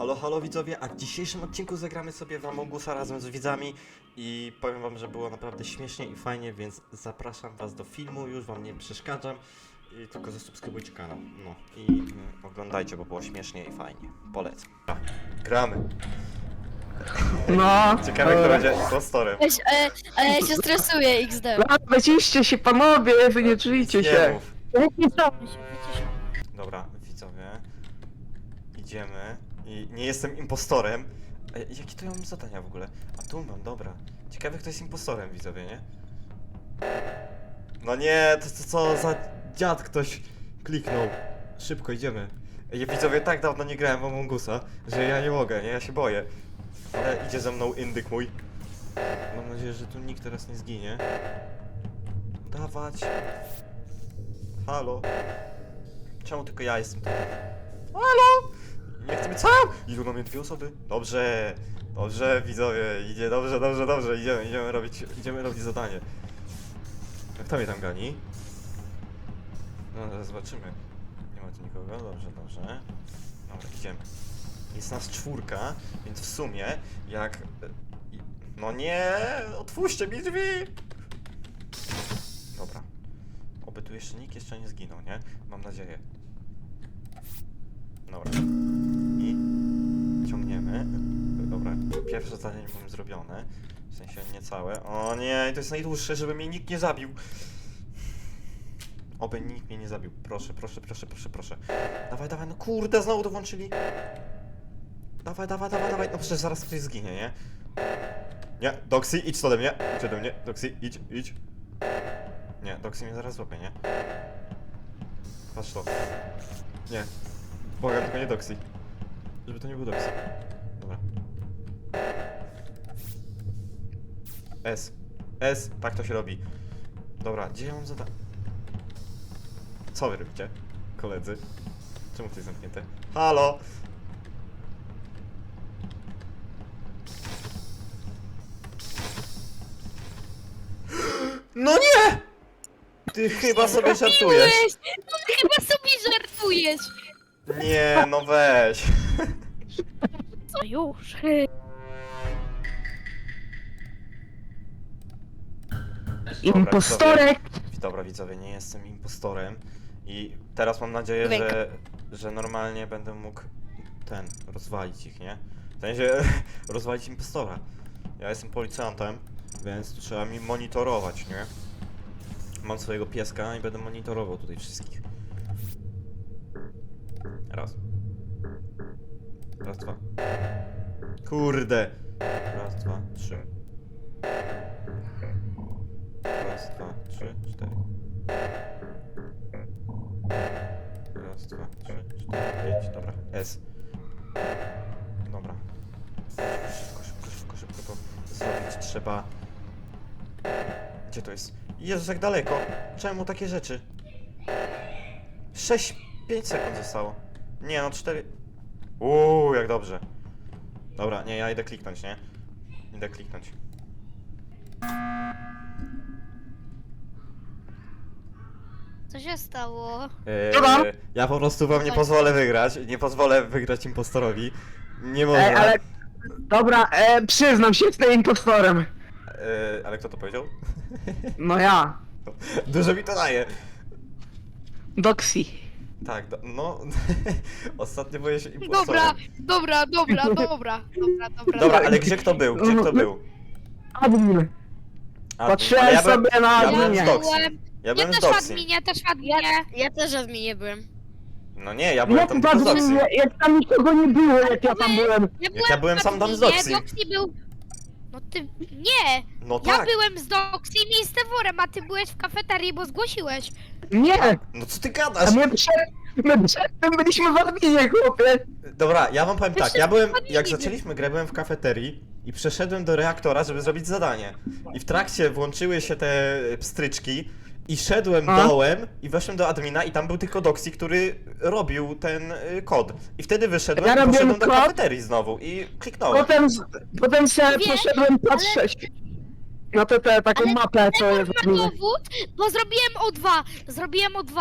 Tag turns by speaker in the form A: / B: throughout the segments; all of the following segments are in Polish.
A: Halo widzowie, a w dzisiejszym odcinku zagramy sobie w Among Usa razem z widzami i powiem wam, że było naprawdę śmiesznie i fajnie, więc zapraszam was do filmu, już wam nie przeszkadzam i tylko zasubskrybujcie kanał, no i oglądajcie, bo było śmiesznie i fajnie, polecam. Gramy.
B: No.
A: Ciekawe, kto będzie impostorem.
C: Ale ja się stresuję, XD.
B: Wyciście się panowie, wy nie czujcie
A: Nie
B: się.
A: mów. Dobra, widzowie, idziemy i nie jestem impostorem. Jakie to ja mam zadania w ogóle? A tu mam, dobra. Ciekawe, kto jest impostorem, widzowie, nie? No nie, to co za dziad ktoś kliknął. Szybko, idziemy. Widzowie, tak dawno nie grałem w Among Usa, że ja nie mogę, nie? Ja się boję. Ale idzie ze mną indyk mój. Mam nadzieję, że tu nikt teraz nie zginie. Dawać. Halo. Czemu tylko ja jestem tu? Halo! Nie chcemy co? Idą na mnie dwie osoby. Dobrze, dobrze widzowie, idzie dobrze, idziemy robić zadanie. Jak kto mnie tam gani? No zaraz zobaczymy. Nie ma tu nikogo, dobrze. Dobra, idziemy. Jest nas czwórka, więc w sumie jak... No nie! Otwórzcie mi drzwi! Dobra. Oby tu nikt nie zginął, nie? Mam nadzieję. Dobra. I ciągniemy. Dobra, pierwsze zadanie mam zrobione. W sensie nie całe. O nie, to jest najdłuższe, żeby mnie nikt nie zabił. Oby nikt mnie nie zabił. Proszę. Dawaj, no kurde, znowu to włączyli. Dawaj. No przecież zaraz ktoś zginie, nie? Nie, Doxy, idź ode mnie. Idź ode mnie. Doxy, idź. Nie, Doxy mnie zaraz złapie, nie? Patrz to. Nie. Błagam, tylko nie Doxy. Żeby to nie był Doxy. Dobra. S, tak to się robi. Dobra, gdzie ja mam zadanie? Co wy robicie, koledzy? Czemu to jest zamknięte? Halo! No nie! Ty chyba sobie żartujesz.
C: No chyba sobie żartujesz.
A: Nie, no weź.
C: Co już?
B: Impostorek!
A: Dobra widzowie, nie jestem impostorem i teraz mam nadzieję, że normalnie będę mógł rozwalić ich, nie? W sensie rozwalić impostora. Ja jestem policjantem, więc tu trzeba mi monitorować, nie? Mam swojego pieska i będę monitorował tutaj wszystkich. Raz, dwa. Kurde! Raz, dwa, trzy. Raz, dwa, trzy, cztery. Raz, dwa, trzy, cztery, pięć. Dobra, S. Dobra. Szybko to zrobić trzeba. Gdzie to jest? Jezus, jak daleko. Czemu takie rzeczy? 5 sekund zostało. Nie no, 4. Jak dobrze. Dobra, nie, ja idę kliknąć, nie?
C: Co się stało?
A: Ja po prostu wam nie pozwolę wygrać. Nie pozwolę wygrać impostorowi. Nie można.
B: Ale... Dobra, przyznam się, jestem impostorem.
A: Ale kto to powiedział?
B: No ja.
A: Dużo mi to daje.
B: Doxy.
A: Tak, no. Ostatnio boję się impostorem.
C: Dobra.
A: Dobra, ale gdzie kto był?
B: Admin.
A: A,
B: Patrzyłem
A: ale
B: sobie na
A: ja byłem
B: adminie.
A: z Doxy. Ja byłem z Doxy.
C: też w adminie. Ja też w adminie byłem.
A: No nie, ja byłem
B: Jak
A: tam tylko z Doxy.
B: jak tam nikogo nie było, jak ja tam byłem.
A: Ja byłem sam tam z Doxy.
C: Doxy był... No ty... Nie!
A: No
C: Ja
A: tak.
C: byłem z Doxy i z Teworem, a ty byłeś w kafeterii, bo zgłosiłeś.
B: Nie!
A: No co ty
B: A
A: gadasz?
B: my przedtem byliśmy w adminie, chłopie.
A: Dobra, ja wam powiem tak,
C: Wszyscy
A: ja byłem,
C: wchodzili.
A: jak zaczęliśmy grę, byłem w kafeterii i przeszedłem do reaktora, żeby zrobić zadanie. I w trakcie włączyły się te pstryczki i szedłem dołem i weszłem do admina i tam był tylko Doxy, który robił ten kod. I wtedy wyszedłem
B: Ja
A: i poszedłem
B: robiłem
A: do
B: kod.
A: kafeterii znowu i kliknąłem.
B: Potem sobie
C: Wiesz,
B: poszedłem patrzeć na taką
C: Ale
B: mapę, co jest w adminie.
C: dowód, bo zrobiłem O2.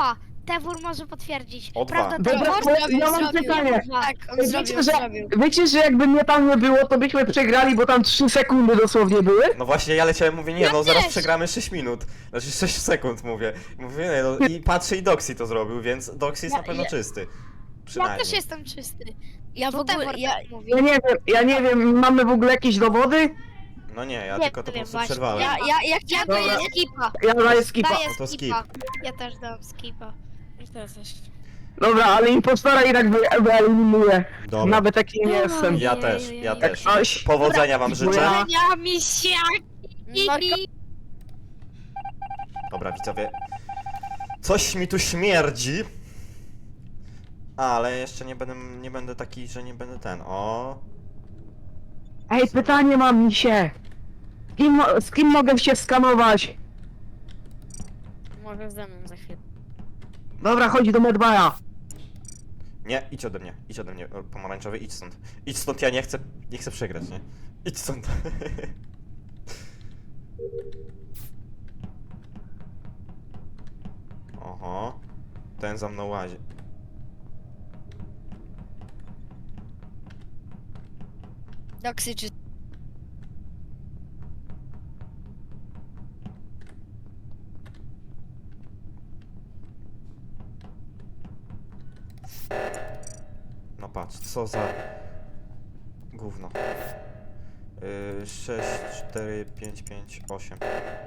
C: Tewór może potwierdzić.
A: O dwa.
C: Prawda,
B: Dobra,
C: Tewór?
B: ja mam pytanie.
D: Tak, on zrobił, zrobił.
B: Wiecie, że jakby mnie tam nie było, to byśmy przegrali, bo tam 3 sekundy dosłownie były?
A: No właśnie, ja leciałem, mówię, nie, no
C: Ja
A: zaraz
C: też.
A: przegramy 6 minut. Znaczy 6 sekund, mówię. Mówię, nie, no i patrzę i Doxy to zrobił, więc Doxy jest na pewno czysty.
C: Ja
A: Przynajmniej.
C: też jestem czysty.
D: Ja w
C: To
D: ogóle,
C: Tewor
D: ja,
C: tak mówi.
B: Ja nie wiem, mamy w ogóle jakieś dowody?
A: No nie, ja
C: Nie
A: tylko to po
C: wiem,
A: prostu
C: właśnie.
A: przerwałem.
D: ja
C: Ja
D: chciałem
C: daję
D: powiedzieć,
C: skipa.
B: Ja daję skipa.
C: Daję
A: No to
C: skipa. Ja też dam skipa.
B: Dobra, ale impostora i tak wyeliminuję.
A: Dobra.
B: Nawet taki nie jestem.
A: Ja też, ja też.
B: Ktoś-
A: Powodzenia wam życzę.
B: Ja-
C: Ja misiaki.
A: Dobra, widzowie. Coś mi tu śmierdzi. Ale jeszcze nie będę taki, że nie będę ten. O.
B: Ej, pytanie mam się. Z kim mogę się skanować?
D: może ze mną za chwilę.
B: Dobra, chodź do Medbaya.
A: Nie, idź ode mnie, o, pomarańczowy, idź stąd. Idź stąd, ja nie chcę przegrać, nie? Idź stąd. Oho. Ten za mną łazi.
D: Doksy czy...
A: No patrz, co za gówno. 6, 4, 5, 5, 8.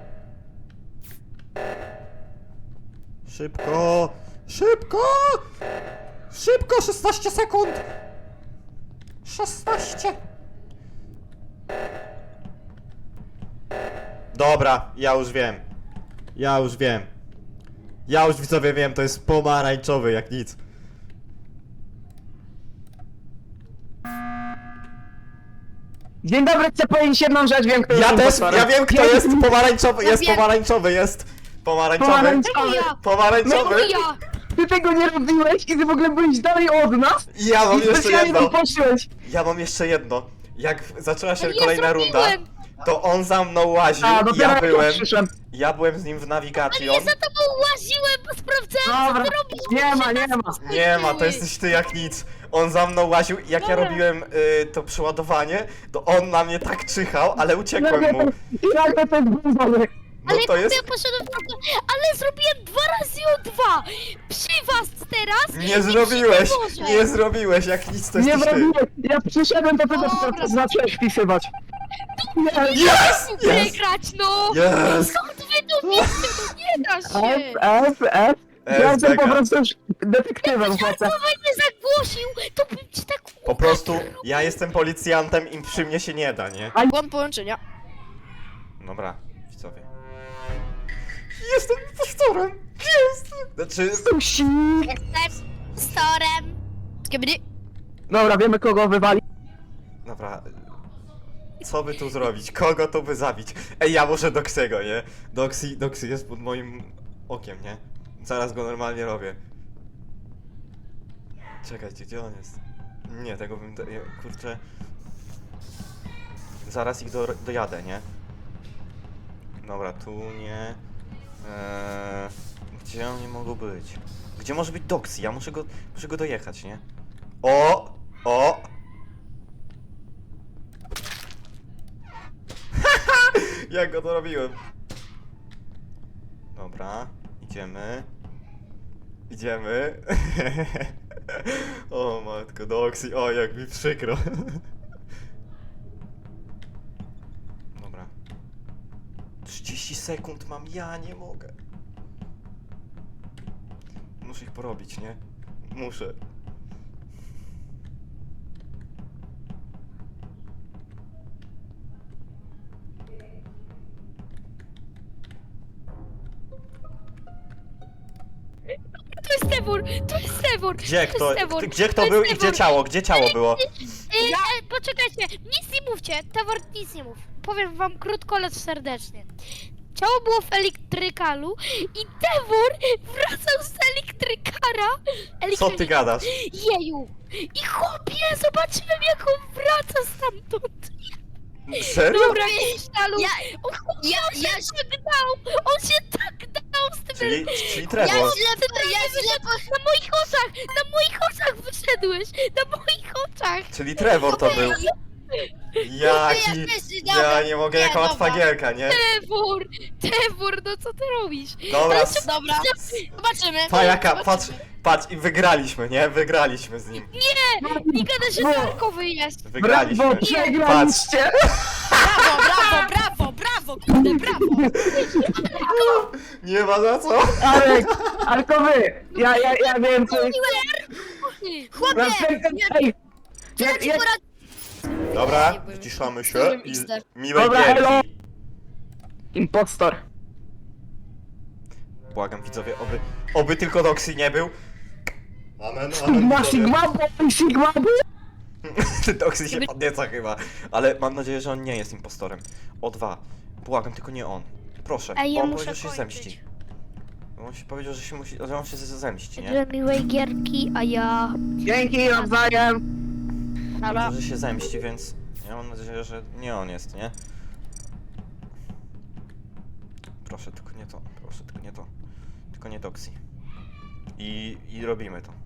A: Szybko! Szybko! Szybko! 16 sekund! 16! Dobra, ja już wiem. Ja już widzowie wiem, to jest pomarańczowy jak nic.
B: Dzień dobry, chcę powiedzieć jedną rzecz, wiem kto jest
A: Ja też,
B: impostorem.
A: ja wiem kto jest pomarańczowy, jest
C: wiem.
A: pomarańczowy, jest pomarańczowy.
B: Pomarańczowy.
C: Ja.
A: Pomarańczowy.
C: Ja.
B: Ty tego nie robiłeś i ty w ogóle byłeś dalej od nas.
A: I ja mam
B: I
A: jeszcze
B: specjalnie tam
A: jedno.
B: poszłeś.
A: Ja mam jeszcze jedno. Jak zaczęła się
C: Ale ja
A: kolejna runda,
C: zrobiłem.
A: to on za mną łaził,
B: A, dopiero
A: ja
B: jak
A: byłem,
B: przyszłem.
A: z nim w nawigation.
C: Ja za tobą łaziłem, bo sprawdzałem,
B: Dobra,
C: co ty robisz.
B: nie ma.
A: Nie ma, to jesteś ty jak nic. On za mną łaził i jak ja
C: Dobra.
A: robiłem to przeładowanie, to on na mnie tak czyhał, ale uciekłem mu.
B: I nagle to jest gówno.
A: No
C: Ale
A: to jest...
C: ja poszedłem w drugą, ale zrobiłem 2 razy o 2 przy was teraz.
A: Nie
C: i
A: zrobiłeś,
C: przy Teworze.
A: nie zrobiłeś, jak nic to
B: Nie
A: jesteś ty.
B: zrobiłem. Ja przyszedłem, to ty
C: Dobra.
B: dopiero zacząłeś wpisywać. Nie,
A: Yes! Yes!
C: Wygrać, no!
A: Yes!
C: Skąd wy to wiecie? No nie da się!
B: F. Ja jestem po
A: Beka.
B: prostu już detektywem, chłopie.
C: Słowa nie zagłosił, to bym ci tak
A: Po prostu ja jestem policjantem i przy mnie się nie da, nie?
D: Błąd połączenia.
A: Dobra, widzowie. Jestem impostorem! Jest! Znaczy...
B: Susi.
C: Jestem storem.
D: Skibidi.
B: Dobra, wiemy kogo wywali.
A: Dobra... Co by tu zrobić? Kogo tu by zabić? Ej, ja muszę Doxego, nie? Doxy jest pod moim okiem, nie? Zaraz go normalnie robię. Czekajcie, gdzie on jest? Nie, tego bym... Kurczę... Zaraz ich dojadę, nie? Dobra, tu nie... Gdzie oni mogą być? Gdzie może być Doxy? Ja muszę go dojechać, nie? O! O! Jak go to robiłem? Dobra, idziemy. Idziemy. O matko, Doxy, o jak mi przykro. Dobra. 30 sekund mam, ja nie mogę. Muszę ich porobić, nie? Muszę.
C: To jest Tewór, to jest Tewór.
A: Gdzie
C: to
A: kto,
C: jest Tewór,
A: gdzie
C: to
A: kto
C: jest
A: był i
C: Tewór.
A: gdzie ciało? Gdzie ciało było?
C: Poczekajcie, nic nie mówcie, Tewor, nic nie mów. Powiem wam krótko, lecz serdecznie. Ciało było w elektrykalu i Tewor wracał z elektrykara.
A: Co ty gadasz?
C: Jeju! I chłopie, zobaczyłem jak on wraca stamtąd.
A: Serio?
C: Dobra, Krysztalu,
D: Ja,
C: on się tak dał! On się tak dał z tym
A: Czyli
D: ja
A: Trevor.
C: Na moich oczach! Na moich oczach wyszedłeś! Na moich oczach!
A: Czyli Trevor to był. Jaki... Ja nie mogę, jaka łatwa gierka, nie?
C: Tewor, no co ty robisz?
A: Dobra,
D: Dobra, zobaczymy.
A: Pajaka,
D: Zobaczymy.
A: patrz i wygraliśmy, nie? Wygraliśmy z nim.
C: Nie gada, że Darkowy jest!
A: Wygraliśmy.
B: Brawo, przegraliście!
D: Brawo, kurde, brawo.
A: Nie ma za co.
B: Arek, wy! Ja wiem co...
D: Chłopie,
B: Ej!
D: ja ci poradzę.
A: Dobra,
D: Nie byłem.
A: wyciszamy się
D: Byłem
A: i
D: Mister.
A: miłej
B: Dobra, elo.
A: gierki.
B: Impostor.
A: Błagam widzowie, oby tylko Doxy nie był. Amen,
B: Sigma, Sigma, boy, Sigma, boy.
A: Doxy się podnieca chyba. Ale mam nadzieję, że on nie jest impostorem. O2. Błagam, tylko nie on. Proszę,
C: Ej, ja
A: on
C: muszę
A: powiedział, że się
C: kończyć.
A: zemści. On się powiedział, że on się zemści, nie?
C: Dla miłej gierki, a ja...
B: Dzięki, nawzajem.
A: Powiedział, że się zemści, więc ja mam nadzieję, że nie on jest, nie? Proszę, tylko nie to. Proszę, tylko nie to. Tylko nie Doxy. I robimy to.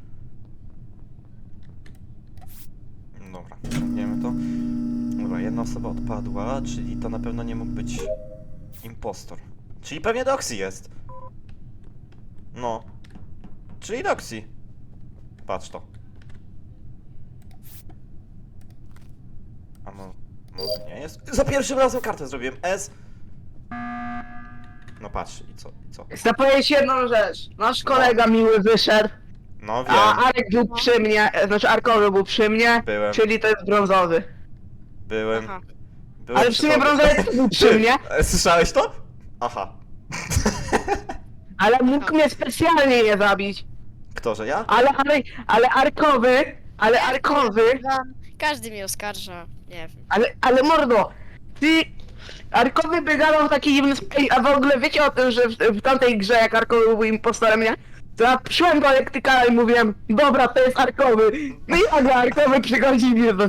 A: Dobra, wiemy to. Dobra, jedna osoba odpadła, czyli to na pewno nie mógł być impostor. Czyli pewnie Doxy jest. No. Czyli Doxy. Patrz to. A może nie jest? Za pierwszym razem kartę zrobiłem. S. No patrz, i co?
B: Chcę powiedzieć jedną rzecz. Nasz kolega miły wyszedł,
A: No wiem.
B: a Arek był przy mnie, znaczy Arkowy był przy mnie,
A: Byłem.
B: czyli to jest brązowy.
A: Byłem.
D: Aha.
A: Byłem
B: Ale w
A: przy
B: sumie
A: tobie.
B: brązowy też był przy mnie,
A: Słyszałeś to? Aha.
B: ale mógł mnie specjalnie nie zabić.
A: Kto, że ja?
B: Ale Arkowy,
D: Każdy mnie oskarża. Nie wiem.
B: ale mordo, ty... Arkowy by gadał w taki dziwny sposób, a w ogóle wiecie o tym, że w tamtej grze, jak Arkowy był impostorem, nie? To ja przyszłem do elektryka i mówiłem, dobra, to jest Arkowy. No i nagle Arkowy przychodzi mnie do...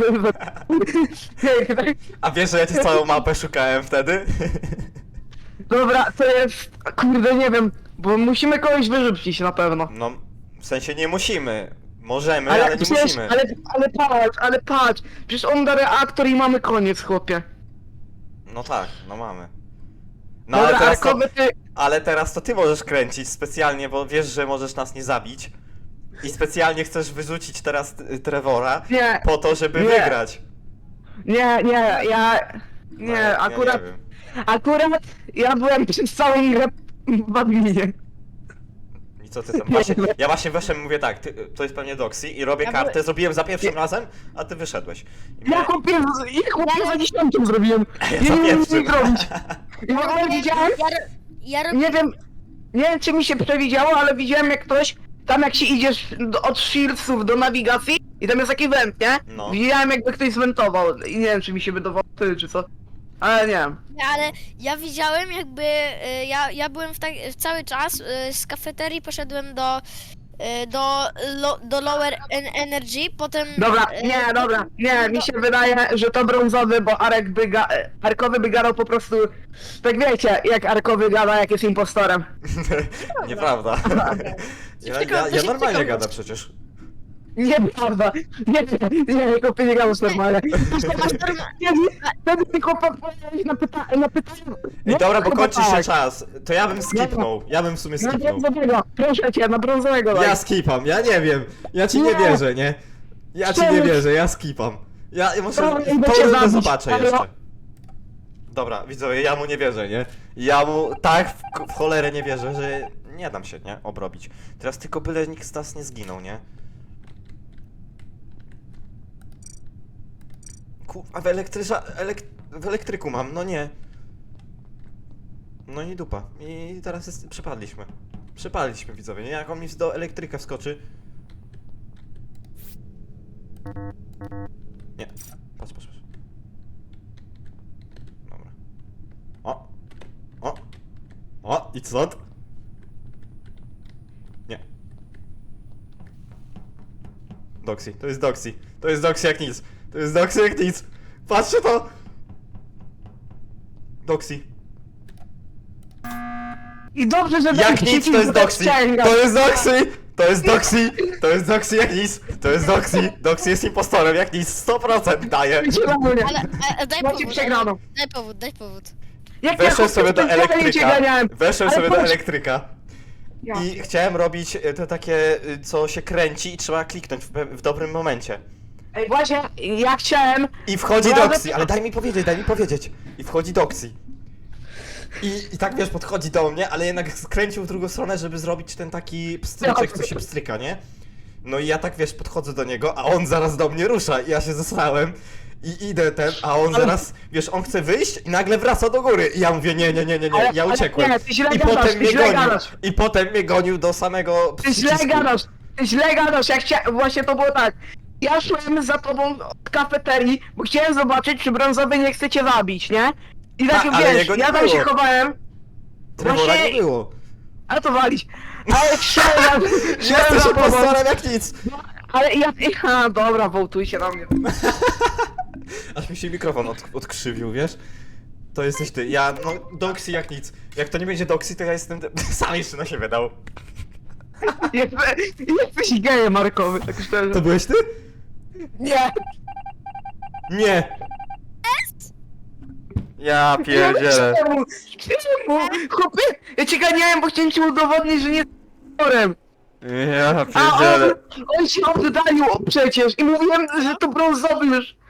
A: A wiesz, że ja ci całą mapę szukałem wtedy?
B: Dobra, to jest... Kurde, nie wiem, bo musimy kogoś wyrzucić na pewno.
A: No, w sensie nie musimy. Możemy, ale nie
B: przecież-
A: musimy.
B: ale patrz, przecież on da reaktor i mamy koniec, chłopie.
A: No tak, no mamy. No
B: Dobra,
A: ale teraz to,
B: Arkowy, ty...
A: ale teraz to ty możesz kręcić specjalnie, bo wiesz, że możesz nas nie zabić. I specjalnie chcesz wyrzucić teraz Trevora
B: Nie,
A: po to, żeby
B: nie.
A: wygrać.
B: ja...
A: No,
B: Nie,
A: ja
B: akurat...
A: nie wiem.
B: Akurat ja byłem przez całą grę w adminie.
A: I co ty tam? Ja właśnie wyszedłem i mówię tak, to jest pewnie Doxy i robię
D: Ja
A: kartę, zrobiłem za pierwszym razem, a ty wyszedłeś. I
B: Ja
A: mnie-
B: chłopie za 10 zrobiłem.
A: Ja
B: Ja
A: za
B: nie wiem nic
A: pierwszym.
B: zrobić. I w ogóle widziałem,
D: Ja robię...
B: nie wiem czy mi się przewidziało, ale widziałem jak ktoś, tam jak się idziesz od shieldsów do nawigacji i tam jest taki węd, nie?
A: No.
B: Widziałem jakby ktoś zwentował i nie wiem czy mi się wydawało ty czy co. Ale nie wiem.
D: Ale ja widziałem jakby, ja byłem cały czas z kafeterii poszedłem do Lower Energy, potem...
B: Dobra, nie, mi się wydaje, że to brązowy, bo Arkowy by gadał po prostu, tak wiecie, jak Arkowy gada, jak jest impostorem.
A: Nieprawda. Ja normalnie gadam przecież.
B: Nieprawda, nie, chłopie nie gadał normalnie. Wtedy tylko odpowiedziałeś na pytanie.
A: Ej, dobra, bo
B: chyba
A: kończy się
B: tak.
A: czas. To ja bym skipnął. Ja bym w sumie
B: Na
A: skipnął.
B: brązowego, proszę cię, na brązowego daj.
A: Ja skipam, ja nie wiem. Ja ci nie
B: Nie.
A: wierzę, nie? Ja ci nie
B: Czemu?
A: wierzę, ja skipam. Ja może
B: Dobra, idę
A: to
B: cię
A: rundę
B: zabić,
A: zobaczę
B: ale-
A: jeszcze. Dobra, widzowie, ja mu nie wierzę, nie? Ja mu tak w cholerę nie wierzę, że nie dam się, nie? Obrobić. Teraz tylko byle nikt z nas nie zginął, nie? Kurwa, w elektryku mam, no nie. No i dupa. I teraz przepadliśmy. Przepadliśmy, widzowie, nie? Jak on mi do elektryka wskoczy. Nie. Patrz. Dobra. O, idź stąd. Nie. Doxy, to jest Doxy. To jest Doxy jak nic. To jest Doxy jak nic. Patrzcie to! Doxy.
B: I dobrze, że
A: Jak
B: dałem
A: nic,
B: ci
A: to jest
B: tak
A: Doxy!
B: ściągać.
A: To jest Doxy! To jest Doxy! To jest Doxy jak nic! To jest Doxy! Doxy jest impostorem jak nic, 100% daje!
B: Zielony.
D: Ale daj
B: Macie
D: powód.
B: przegraną.
D: Daj powód.
B: Jak
A: Weszłem sobie do
B: cię
A: elektryka.
B: ganiałem.
A: Weszłem
B: Ale
A: sobie do
B: patrz-
A: elektryka.
B: Ja.
A: I chciałem robić to takie, co się kręci i trzeba kliknąć w dobrym momencie.
B: Ej, właśnie, ja chciałem...
A: I wchodzi
B: No, ale-
A: Doxy, ale daj mi powiedzieć. I wchodzi Doxy. I tak wiesz, podchodzi do mnie, ale jednak skręcił w drugą stronę, żeby zrobić ten taki pstryczek, co się pstryka, nie? No i ja tak wiesz, podchodzę do niego, a on zaraz do mnie rusza i ja się zesrałem. I idę a on zaraz, wiesz, on chce wyjść i nagle wraca do góry. I ja mówię, nie,
B: Ale-
A: ja
B: ale
A: uciekłem.
B: nie, ty źle
A: I
B: gadasz,
A: potem
B: ty
A: mnie
B: źle
A: gonił.
B: gadasz.
A: I potem mnie gonił do samego
B: Ty źle
A: przycisku.
B: gadasz, ja chciałem... Właśnie to było tak. Ja szłem za tobą od kafeterii, bo chciałem zobaczyć, czy brązowy nie chce cię zabić, nie? I tak,
A: ale
B: wiesz,
A: jego nie
B: ja tam się
A: było.
B: chowałem,
A: Trevora
B: właśnie-
A: nie było.
B: ale to walić. Ale szedłem
A: Jesteś
B: za tobą.
A: impostorem jak nic.
B: Ale ja... A, dobra, wołtujcie na mnie.
A: Aż mi się mikrofon odkrzywił, wiesz? To jesteś ty. Ja, no, Doxy jak nic. Jak to nie będzie Doxy, to ja jestem... Sam jeszcze na siebie dał.
B: Jesteś gejem, Markowy, tak szczerze.
A: To byłeś ty?
B: Nie!
A: Nie! Ja pierdzielę.
B: Czemu? Czemu? Chłopie, ja cię ganiałem, bo chciałem ci udowodnić, że nie jest aktorem.
A: Ja
B: A
A: pierdzielę.
B: on się oddalił przecież i mówiłem, że to brązowy już.